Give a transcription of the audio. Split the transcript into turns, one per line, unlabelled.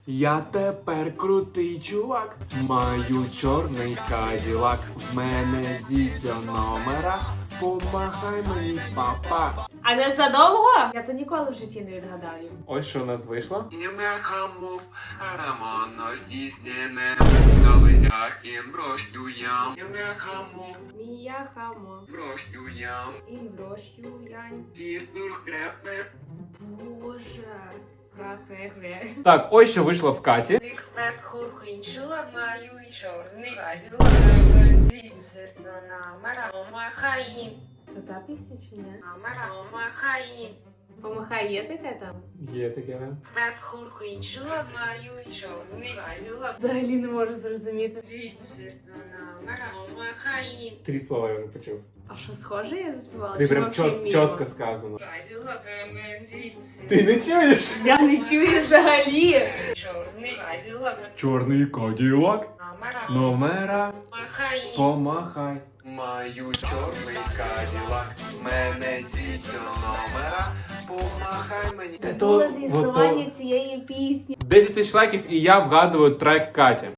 Я тепер крутий чувак, маю чорний каділак. В мене дідьо номера, помахай мені, папа.
А не задовго? Я то ніколи в житті не відгадаю.
Ось що у нас вийшло.
Хамов, рамоно здійснене, на лизях і броштуям. Хамов,
Мія хамо,
броштуям.
і врощу янь.
Тістур хрепе,
Боже. Хре-хре-хре.
Так, ось що вийшло в Каті.
Хлеб хурхинчила, маю і чорний газіла, здійснюся на марамахаї.
То та пісня чи ні?
Марамахаї.
Помахай, є таке там?
Є таке.
Хлеб хурхинчила, маю і чорний газіла,
Взагалі не можу зрозуміти.
здійснюся на марамахаї.
3 слова я вже почув.
А що схоже я заспівала?
Ти
Чи
прям
вообще мімо?
чітко сказано.
Газіла, здійснюся
Ти не чуєш?
Я не чую взагалі.
чорний газіла,
Чорний каділак,
на
номера,
марамахаї.
помахай.
маю чорний каділак. В мене дідьо номера, помахай мені.
Це
Було зі існування цієї пісні.
10 тисяч лайків і я вгадую трек Каті.